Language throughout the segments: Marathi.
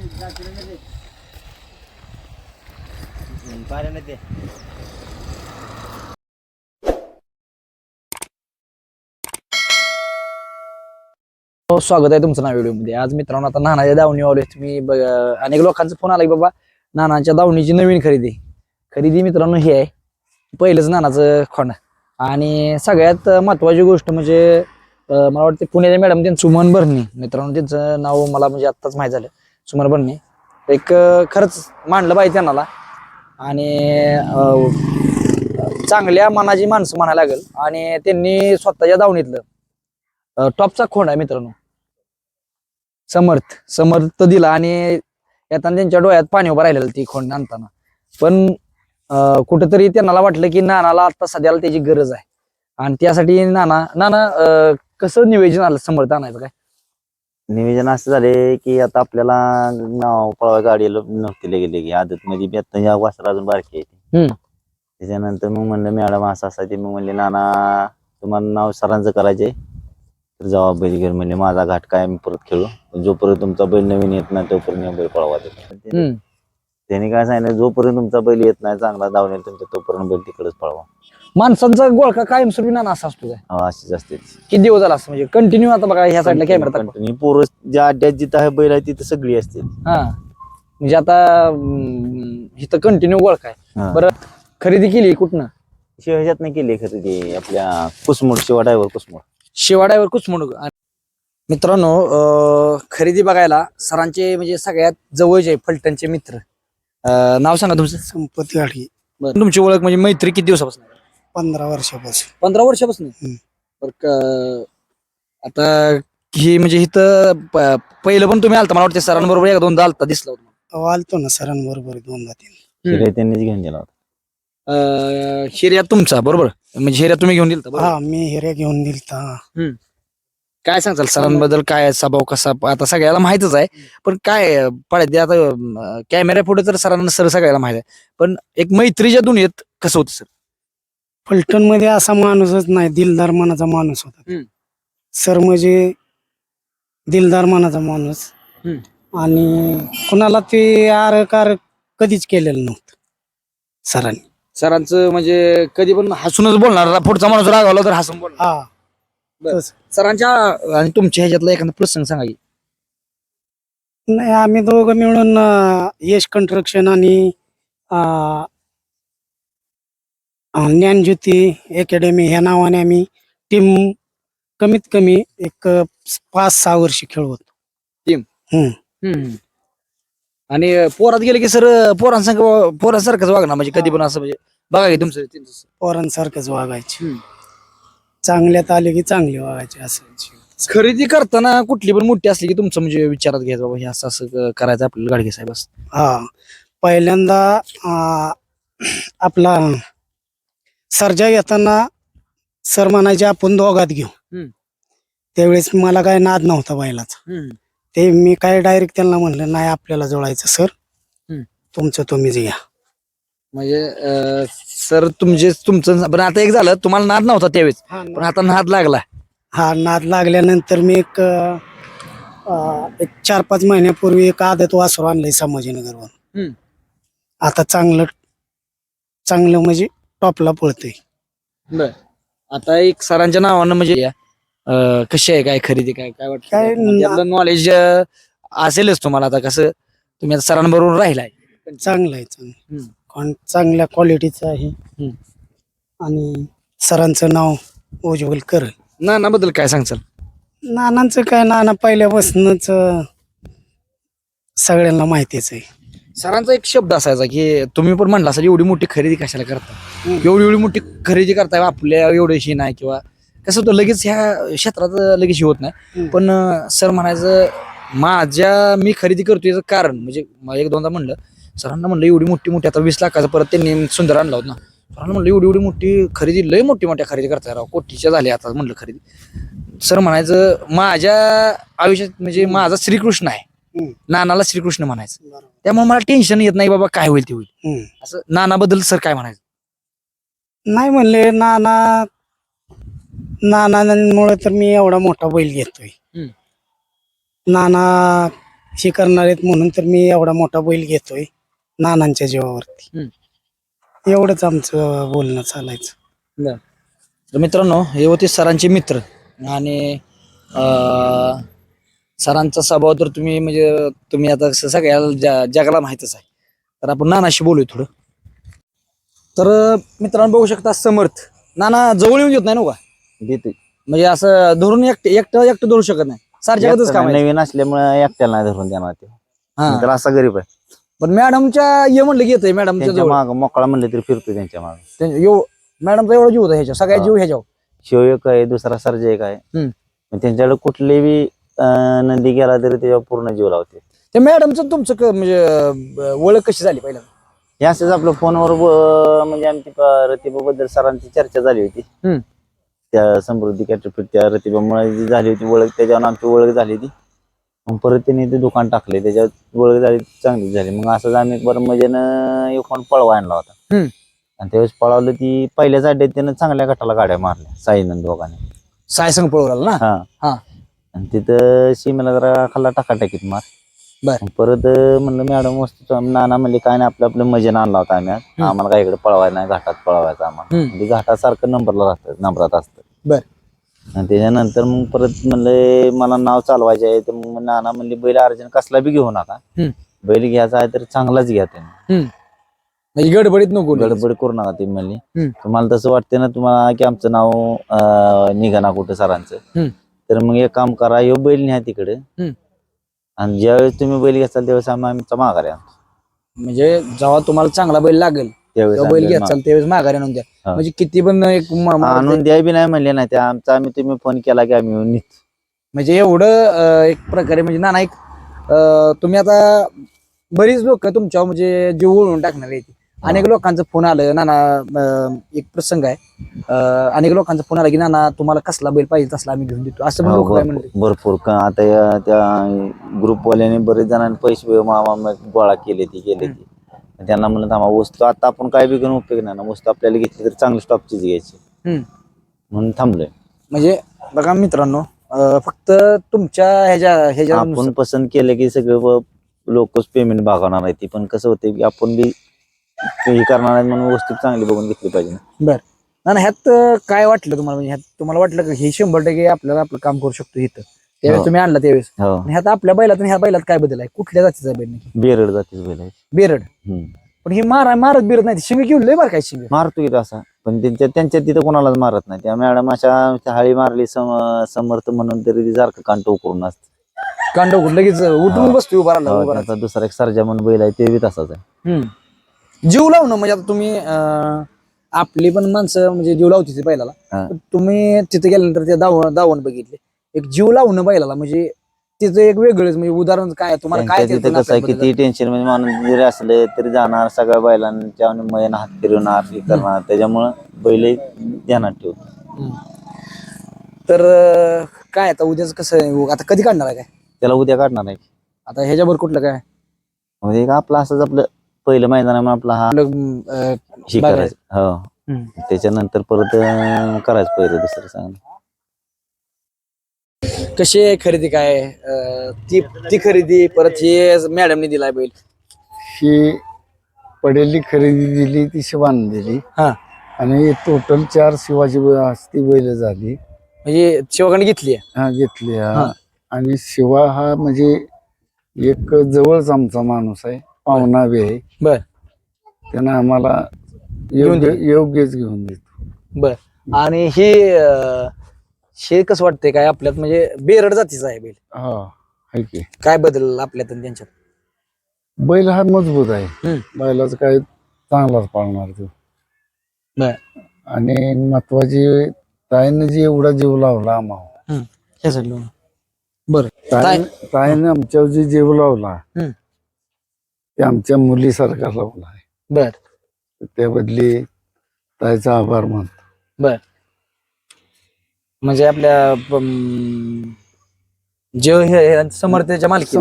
स्वागत आहे तुमचं नाव व्हिडिओ मध्ये। आज मित्रांनो आता नानाच्या दावणी आलोय। तुम्ही अनेक लोकांचा फोन आला की बाबा नानाच्या दावणीची नवीन खरेदी मित्रांनो ही आहे पहिलंच नानाचं खोंड। आणि सगळ्यात महत्वाची गोष्ट म्हणजे मला वाटतं पुण्याच्या मॅडम त्यांचं सुमन भरणे मित्रांनो, त्यांचं नाव मला म्हणजे आत्ताच माहित झालं। सुमन भरणे एक खरंच मानलं पाहिजे त्यांना आणि चांगल्या मनाची माणसं म्हणायला लागेल। आणि त्यांनी स्वतःच्या दावणीतलं टॉपचा खोंड आहे मित्रांनो, समर्थ दिला। आणि येताना त्यांच्या डोळ्यात पाणी उभं राहिलेलं ती खोंड आणताना। पण कुठंतरी त्यांना वाटलं की नानाला आता सध्याला त्याची गरज आहे आणि त्यासाठी नाना कसं नियोजन आलं समर्थ आणायचं काय? नियोजन असं झाले की आता आपल्याला नाव पळवा गाडीला नव्हती गेले की आदत मध्ये बी आता या वासरा अजून बारकी आहे। त्याच्यानंतर मग म्हणलं मॅडम असं ते मग म्हणले नाना तुम्हाला नाव सरांचं करायचंय तर जबाब बैल घेऊन म्हणले माझा घाट काय मी परत खेळू, जोपर्यंत तुमचा बैल नवीन येत नाही तोपर्यंत बैल पळवा देतो। त्यांनी काय सांगितलं जोपर्यंत तुमचा बैल येत नाही चांगला धावणे तुमचा तोपर्यंत बैल तिकडेच पळवा। माणसांचा गोळका कायमस्वरूपी नाना असा असतो काय? अशीच असते। किती दिवस झाला असं म्हणजे कंटिन्यू? आता बघा ह्या साईडला कॅमेरा कंटिन्यू पोरं ज्या अड्ड्यात जिथं आहे बैल आहे तिथं सगळी असते। हा म्हणजे आता इथं कंटिन्यू गोळका आहे। बरं खरेदी केली कुठनं? ह्याच्यात नाही केली खरेदी आपल्या कुसमोड शिवाड्यावर कुचमोड। मित्रांनो खरेदी बघायला सरांचे म्हणजे सगळ्यात जवळचे फलटणचे मित्र, नाव सांगा तुमचं? संपत्ती गाडी। तुमची ओळख म्हणजे मैत्री किती दिवसापासून? 15 वर्षापासून। 15 वर्षापासून? आता ही म्हणजे इथं पहिलं पण तुम्ही आलता मला वाटतं सरांबरोबर एक दोनदा आलता दिसला होता। आलतो ना सरांबरोबर 2-3 त्यांनीच घेऊन दिला होता। हिर्या तुमचा बरोबर म्हणजे हिर्या तुम्ही घेऊन दिलता? हा मी हिर्या घेऊन दिलता। काय सांगताल सरांबद्दल? काय स्वभाव कसा? आता सगळ्याला माहितच आहे पण काय पडते आता कॅमेरा पुढे तर सरांना सगळ्याला माहित आहे, पण एक मैत्रीच्या दुनियेत कसं होतं सर? फलटण मध्ये असा माणूसच नाही, दिलदार मनाचा माणूस होता सर, म्हणजे दिलदार मनाचा माणूस। आणि कुणाला ते आर कधीच केलेलं नव्हतं सरांनी। सरांचं म्हणजे कधी पण हसूनच बोलणार, पुढचा माणूस रागावला तर हसून बोलणार। सरांच्या आणि तुमच्या ह्याच्यातला एखादा प्रसंग सांगा की? नाही आम्ही दोघं मिळून यश कन्स्ट्रक्शन आणि ज्ञानज्योती अकॅडमी ह्या नावाने आम्ही टीम कमीत कमी एक 5-6 वर्ष खेळलो होतो टीम। आणि पोरात गेले की सर पोरांसारखंच वागणार म्हणजे कधी पण असं म्हणजे बघा की तुमचं पोरांसारखंच वागायचे, चांगल्यात आले की चांगले वागायचे असं। खरेदी करताना कुठली पण मोठी असली की तुमचं म्हणजे विचारात घ्यायचं बाबा हे असं करायचं आपल्याला गाडगे साहेब असं? हा पहिल्यांदा आपला सर्जा येताना सर म्हणायचे आपण दोघात घेऊ। त्यावेळेस मला काय नाद नव्हता बैलाचा, ते मी काय डायरेक्ट त्यांना म्हणलं नाही आपल्याला जोडायचं सर, तुमचं तुम्हीच घ्या। म्हणजे सर तुमचं पण आता एक झालं तुम्हाला नाद नव्हता त्यावेळेस पण आता नाद लागला। हा नाद लागल्यानंतर मी एक 4-5 महिन्यापूर्वी एक आदत वासरू आणलंय संभाजीनगरवर। आता चांगलं म्हणजे टॉपला पळतोय। आता एक सरांच्या नावानं म्हणजे कशी आहे काय खरेदी काय काय वाटतं? नॉलेज असेलच तुम्हाला, आता कसं तुम्ही आता सरांबरोबर राहिलाय? चांगलं आहे, चांगल्या क्वालिटीचं आहे आणि सरांचं नाव उज्ज्वल करेल। नानाबद्दल काय सांगचाल? नानांचं काय, नाना पहिल्यापासूनच सगळ्यांना माहितीच आहे। सरांचा एक शब्द असायचा की तुम्ही पण म्हणला असाल एवढी मोठी खरेदी कशाला करता, एवढी मोठी खरेदी करताय आपल्या एवढीशी नाही, किंवा कसं होतं लगेच ह्या क्षेत्रात लगेच होत नाही। पण सर म्हणायचं मी खरेदी करतो याचं कारण म्हणजे एक दोनदा म्हणलं सरांना, म्हणलं एवढी मोठी आता 20 लाखाचं परत त्यांनी सुंदर आणला होता ना, सरांना म्हणलं एवढी मोठी खरेदी, लय मोठ्या खरेदी करताय राव, कोटीच्या झाल्या आता म्हणलं खरेदी। सर म्हणायचं माझ्या आयुष्यात म्हणजे माझा श्रीकृष्ण आहे, नानाला श्रीकृष्ण म्हणायचं, त्यामुळे मला टेन्शन येत नाही बाबा काय होईल ते होईल असं। नानाबद्दल सर काय म्हणायचं? नाही म्हणले नानामुळे तर मी एवढा मोठा बैल घेतोय। नाना हे करणार आहेत म्हणून तर मी एवढा मोठा बैल घेतोय नानांच्या जीवावरती. एवढंच आमचं बोलणं चालायचं. तर मित्रांनो, हे होते सरांचे मित्र आणि सरांचा स्वभाव तर तुम्ही आता सगळ्या जगाला माहितच आहे. तर आपण नानाशी बोलूया थोडं. तर मित्रांनो बघू शकता समर्थ नाना जवळ येऊन देत नाही ना का, देते म्हणजे असं धरून एकटं धरू शकत नाही. सार जगातच काम आहे. नवीन असल्यामुळे एकट्याला नाही धरून देणार ते. तर असा गरीब आहे. पण मॅडमच्या ये म्हणलं घेत मॅडमच्या त्यांच्या जवळ माग मोकळा म्हणलं तरी फिरतो त्यांच्या मागे. मॅडमचा एवढा जीव होता ह्याच्या सगळ्या जीव ह्याच्यावर. शिव एक आहे, दुसरा सर्ज एक आहे. मग त्यांच्याकडे कुठली बी नंदी गेला तरी त्याच्यावर पूर्ण जीव लावते. ते मॅडमचं तुमचं म्हणजे ओळख कशी झाली पहिल्यांदा? हे असंच आपलं फोनवर म्हणजे आमची रतिबाबद्दल सरांची चर्चा झाली होती. त्या समृद्धी कॅटरफिट त्या रतिबामुळे जी झाली होती ओळख, त्याच्यावर आमची ओळख झाली होती. मग परत त्यांनी ते दुकान टाकले, त्याच्यात ओळख झाली, चांगली झाली. मग असंच आम्ही बरं मजेनं एक फोन पळवा आणला होता. आणि त्यावेळेस पळवलं ती पहिल्याच अड्ड्यात त्यानं चांगल्या गटाला गाड्या मारल्या साईनंद दोघांनी. सायसंग पळवला ना. हा. आणि तिथं सीमेला जरा खाल्ला टाकाटाकीत मार. बर. परत म्हणलं मॅडम वस्तू नाना म्हणले काय नाही, आपलं आपलं मजेनं आणला होता आम्ही. आम्हाला काय इकडे पळवायला नाही, घाटात पळवायचं आम्हाला. म्हणजे घाटासारखं नंबरात असतं. बर. आणि त्याच्यानंतर मग परत म्हणले मला नाव चालवायचे आहे. तर मग नाना म्हणले बैल अर्जन कसला बी घेऊ नका, बैल घ्यायचा आहे तर चांगलाच घ्या. त्यांनी गडबडीत नको, गडबड करू नका. ते म्हणले तुम्हाला तसं वाटतं ना तुम्हाला की आमचं नाव निघाना कुठं सरांचं, तर मग एक काम करा, ह्यो बैल न्या तिकडे. आणि ज्यावेळेस तुम्ही बैल घेसाल त्यावेळेस आमचा माघारी आणतो. म्हणजे जेव्हा तुम्हाला चांगला बैल लागेल त्यावेळेस बैल घ्याल त्यावेळेस माघारी आणून द्या. म्हणजे किती पण आणून द्या बी नाही म्हणले नाही, त्या आमचा तुम्ही फोन केला की आम्ही येऊन निघतो. म्हणजे एवढं एक प्रकारे म्हणजे नाना एक तुम्ही आता बरीच लोक तुमच्या म्हणजे जीव ओळून टाकणार आहे. अनेक लोकांचं फोन आलं नाना, एक प्रसंग आहे, अनेक लोकांचा फोन आला की नाना तुम्हाला कसला बैल पाहिजे तसला आम्ही घेऊन देतो, असं पण लोक काय म्हणले. भरपूर आता त्या ग्रुपवाल्याने बरेच जणांनी पैसे मामा गोळा केले ती त्यांना म्हणलं थांबा, वस्तू आता आपण काय बी घेऊन उपयोग नाही ना, वस्तू आपल्याला घेतली तर चांगली स्टॉपचीच घ्यायची म्हणून थांबलोय. म्हणजे बघा मित्रांनो, फक्त तुमच्या ह्याच्या आपण पसंत केलं की सगळं लोकच पेमेंट भागवणार आहे. ती पण कसं होते की आपण बी हे करणार आहे म्हणून वस्तू चांगली बघून घेतली पाहिजे. बर ना. ह्यात काय वाटलं तुम्हाला, म्हणजे ह्यात तुम्हाला वाटलं की हे 100% आपल्याला आपलं काम करू शकतो इथं त्यावेळेस तुम्ही आणला त्यावेळेस? ह्यात आपल्या बैलात आणि ह्या बैलात काय बदल आहे? कुठल्या जातीचा बैल? बेरड जातीच बैल आहे. बेरड. पण हे मारत बिरत नाही, शिंग घेऊन लय बार काय शिंग मारतो की असा, पण त्यांच्या तिथं कोणालाच मारत नाही. त्या मॅडम अशा हाळी मारली समर्थ म्हणून तरी ती सारखं कांट उकरून असते. कांड लगेच उठून बसतो उभा राहिला. दुसरा एक सर्जा म्हणून बैल आहे ते बी तसाच आहे. जीव लावणं म्हणजे आता तुम्ही आपली पण माणसं म्हणजे जीव लावते बैलाला, तुम्ही तिथे गेल्यानंतर ते दावण बघितले, एक जीव लावणं बैलाला म्हणजे तिचं एक वेगळंच म्हणजे उदाहरण काय तुम्हाला काय तिथं कसं आहे, किती टेन्शन म्हणजे माणूस जरी असले तरी जाणार सगळ्या बैलांच्या मयन हात फिरवणार हे करणार, त्याच्यामुळं बैल ध्यानात ठेवतो. तर काय आता उद्याच कसं, आता कधी काढणार आहे काय? त्याला उद्या काढणार आहे. आता ह्याच्यावर कुठलं काय म्हणजे आपलं असंच आपलं पहिलं मैदान आपला हा हे करायचं. हो, त्याच्यानंतर परत करायचं पहिलं दुसरं चांगलं. कशी आहे खरेदी काय ती खरेदी परत हे मॅडमने दिलाय बैल? ही पडेली खरेदी दिली ती शिवान दिली. आणि टोटल 4 शिवाजी हस्ती बैल झाली. म्हणजे शिवाकडे घेतली? हा, घेतली. आणि शिवा हा म्हणजे एक जवळच आमचा माणूस आहे, पाहुणा बी आहे. बर. त्यानं आम्हाला योग्यच घेऊन देतो. बर. आणि हे कसं वाटतंय काय आपल्यात, म्हणजे बेरड जातीचा आहे बैल? हा, आहे की. काय बदल आपल्यात आणि त्यांच्यात? बैल हा मजबूत आहे, बैलाच काय चांगलाच पाळणार तो. बर. आणि महत्वाची ताईनं जी एवढा जीव लावला आम्हाला, बर, ताईनं आमच्यावर जे जीव लावला ते आमच्या मुलीसारखा लावला आहे. बर. त्याबदली ताईचा आभार मानतो. बर. म्हणजे आपल्या जे समर्थच्या मालकी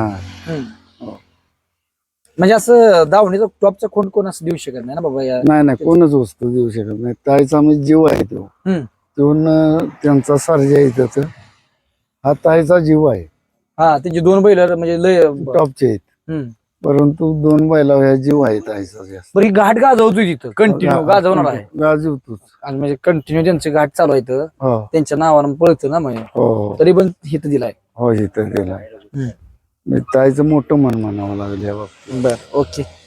म्हणजे असं दावणीचा टॉपचा खोंड कोण असं देऊ शकत नाही ना बाबा? नाही, कोणच वस्तू देऊ शकत नाही. ताईचा म्हणजे जीव आहे तो. त्यांचा सर्जा आहे त्याच, हा ताईचा जीव आहे. हा त्यांची 2 बैल म्हणजे लय टॉपचे आहेत हम्म. परंतु 2 बैला ह्या जीव आहेत आईचा जास्त बरं ही घाट गाजवतोय तिथं कंटिन्यू गाजवणार आहे गाजवतोच आणि म्हणजे कंटिन्यू त्यांचे घाट चालू आहेत हो त्यांच्या नावानं पळतं ना म्हणजे हो तरी पण हित दिलाय. हो इथं दिला ताईचं मोठं मन म्हणावं लागलं या बाबतीत. बर ओके.